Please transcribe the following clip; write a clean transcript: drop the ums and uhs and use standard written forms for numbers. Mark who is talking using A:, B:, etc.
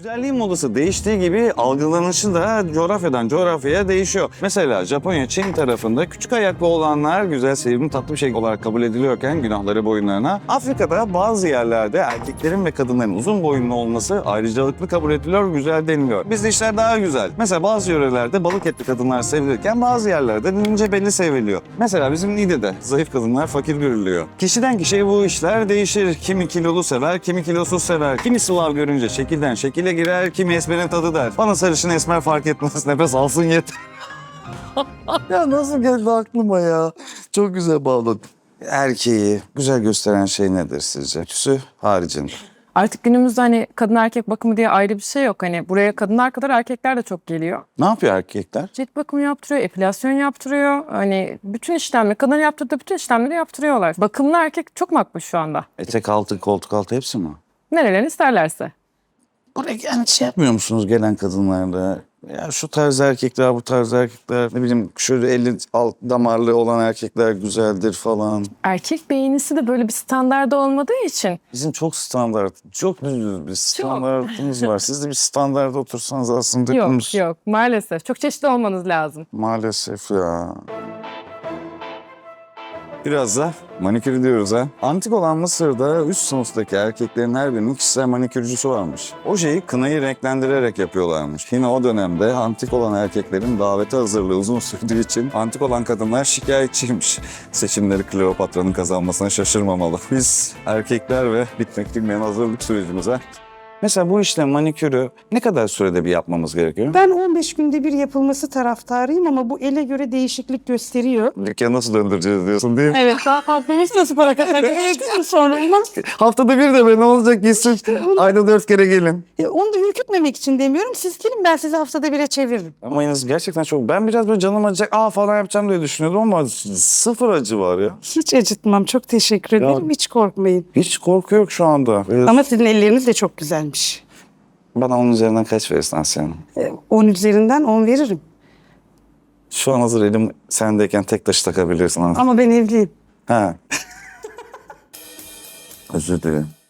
A: Güzelliğin modası değiştiği gibi algılanışı da coğrafyadan coğrafyaya değişiyor. Mesela Japonya, Çin tarafında küçük ayaklı olanlar güzel, sevimli, tatlı bir şey olarak kabul ediliyorken günahları boyunlarına. Afrika'da bazı yerlerde erkeklerin ve kadınların uzun boyunlu olması ayrıcalıklı kabul ediliyor, güzel deniliyor. Bizde işler daha güzel. Mesela bazı yörelerde balık etli kadınlar sevilirken bazı yerlerde ince belli seviliyor. Mesela bizim Niğde'de zayıf kadınlar fakir görülüyor. Kişiden kişiye bu işler değişir. Kimi kilolu sever, kimi kilosuz sever. Kimi Slav görünce şekilden şekile girer, kimi esmerin tadı der. Bana sarışın esmer fark etmez, nefes alsın yeter. Ya nasıl geldi aklıma ya? Çok güzel bağladın. Erkeği güzel gösteren şey nedir sizce? Tüsü haricinde.
B: Artık günümüzde hani kadın erkek bakımı diye ayrı bir şey yok. Hani buraya kadınlar kadar erkekler de çok geliyor.
A: Ne yapıyor erkekler?
B: Cilt bakımı yaptırıyor, epilasyon yaptırıyor. Hani bütün işlemleri, kadın yaptırdığı bütün işlemleri yaptırıyorlar. Bakımlı erkek çok makbul şu anda.
A: Etek altı, koltuk altı hepsi mi?
B: Nerelerini isterlerse.
A: Buraya yani şey yapmıyor musunuz gelen kadınlarla? Ya şu tarz erkekler, bu tarz erkekler, ne bileyim şöyle eli alt damarlı olan erkekler güzeldir falan.
B: Erkek beğenisi de böyle bir standarda olmadığı için.
A: Bizim çok standart, çok düz bir standartımız var. Siz de bir standarda otursanız aslında hepimiz...
B: Yok maalesef. Çok çeşitli olmanız lazım.
A: Maalesef ya. Biraz da manikür diyoruz ha. Antik olan Mısır'da üst sınıftaki erkeklerin her birinin kişisel manikürcüsü varmış. Ojeyi kınayı renklendirerek yapıyorlarmış. Yine o dönemde antik olan erkeklerin davete hazırlığı uzun sürdüğü için antik olan kadınlar şikayetçiymiş. Seçimleri Kleopatra'nın kazanmasına şaşırmamalı. Biz erkekler ve bitmek bilmeyen hazırlık sürecimize. Mesela bu işlem manikürü ne kadar sürede bir yapmamız gerekiyor?
C: Ben 15 günde bir yapılması taraftarıyım ama bu ele göre değişiklik gösteriyor.
A: Dükkanı nasıl döndüreceğiz diyorsun değil mi?
C: Evet, daha fazla nasıl para kazanacağız sonra olmaz.
A: Haftada bir de be ne olacak gitsin. Ayda 4 kere gelin.
C: Onu da ürkütmemek için demiyorum. Siz gelin ben sizi haftada bire çeviririm.
A: Ama yalnız gerçekten çok... Ben biraz böyle canım acıyacak falan yapacağım diye düşünüyordum ama sıfır acı var ya.
C: Hiç acıtmam. Çok teşekkür ederim. Hiç korkmayın.
A: Hiç korku yok şu anda.
C: Ama sizin elleriniz de çok güzelmiş.
A: Bana onun üzerinden kaç verirsin Asya Hanım?
C: 10 üzerinden 10 veririm.
A: Şu an hazır elim sendeyken tek taşı takabilirsin.
C: Ama ben evliyim.
A: Ha. Özür dilerim.